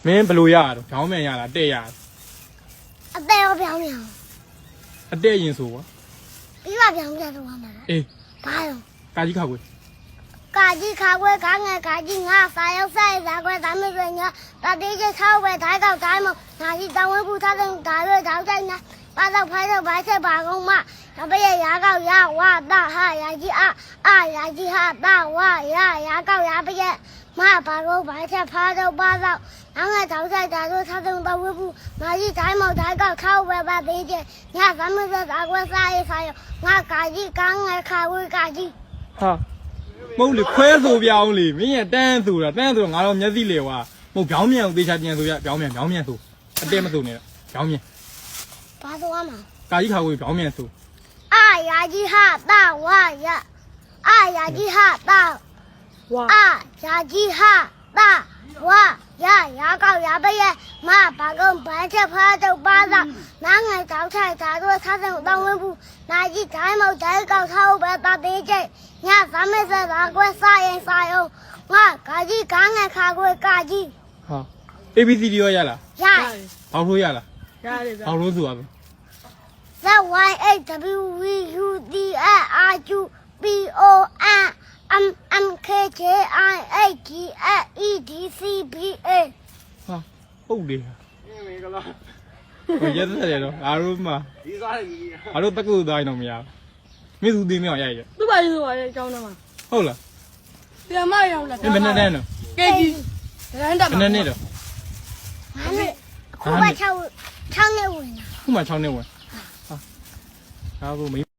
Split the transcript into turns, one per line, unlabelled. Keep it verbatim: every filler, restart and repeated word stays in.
မင်းဘယ်လိုရတော့ခေါင်းမြန်ရလားတဲ့ရ
အသေးရောပြောင်းပြောင်း
အတဲ့ရင်ဆိုကွာ
ပြီးပါပြောင်းပြတော့မှာလား
အေး
ဘာရော
ကာကြီးခါကွယ်
ကာကြီးခါကွယ်ခါငယ်ကာကြီးငါစာရောက်ဆိုင်စာကွယ်ဒါမျိုးတွေညာတတိကျချောက်ပဲဓာတ်ကောက်တိုင်းမငါကြီးတောင်းဝဲပူထားတဲ့ဒါရွေးတောက်တိုင်းနာပါတော့ဖိုင်းတော့ဘာချက်ပါကုန်မတပည့်ရာကောက်ရဝတာဟာရာကြီးအအာရာကြီးဟာတာဝရရာကောက်ရပည့်မပါတော့ဘာချက်ဖားတော့ပါတော့နောက်ငါတောက်ဆိုင်ဒါရွေးထားတဲ့တော့ဝဲပူငါကြီးတိုင်းမောက်ဓာတ်ကောက်ချောက်ပဲပါသေးချင်ညဒါမျိုးတွေဒါကွယ်စားရေးဆိုင်ငါကာကြီးကငယ်ခါဝဲကာကြီး
ဟာမဟုတ်လေခွဲဆိုပြောင်းလေမင်းရတန်းဆိုတာတန်းဆိုတော့ငါတော့မျက်စိလေကွာမဟုတ်ပြောင်းမြန်ကိုသေချာပြန်ဆိုရပြောင်းမြန်ပြောင်းမြန်ဆိုအတဲမဆိုနဲ့ပြောင်းမြန်
ဘာဆိုရမှာ
ကာကြီးခါကိုပြောင်းမြန်ဆို
အာရာကြီးဟာတာဝရအာရာကြီးဟာတာဝအာရာကြီးဟာတာဝရရာကောက်ရပရဲ့မဘာကုန်ဘာချက်ဖားတော့ပါတော့နားငယ်တောက်ထိုက်ဒါတို့ထားတဲ့တောင်းဝဲဘူးနာကြီးတိုင်းမောက်တိုင်းကောက်ထားပဲတာသေးချိတ်ညသမက်ဆက်တာကွဲစားရင်စားအောင်ငါကာကြီးကားငယ်ခါကွဲကာကြီး
ဟာ A B C D ရောရလား
ရတယ်
ဘောက်လို့ရလား
ရတယ်ဗျ
ဘောက်လို့ဆိုရမယ်
Z Y A W V U D A R Q P O N M M K J I A G A E D C B A
ဟာဟုတ်တယ်
မင်္ဂလာ
ဟိုရက်သက်တယ်တော့အားလုံးမှာ
ဒီစားရည်ကြီး
အားလုံးတက္ကသိုလ်သားရင်တော့မရဘူးမင်းသူသိမအောင်ရိုက်ရ
သူ့ပါရေးဆိုပါလေအကြောင်းတော့မှာ
ဟုတ်လား
ပြန်မရောင်းလား
မင်းမနဲ့တန်းတော့
ကေကြီးဒရန်တက်
မနဲ့နဲ့တော့
ဟာလေခုမှ6 6နှစ်ဝင်တာ
ခုမှ6နှစ်ဝင်ဟာဒါကိုမ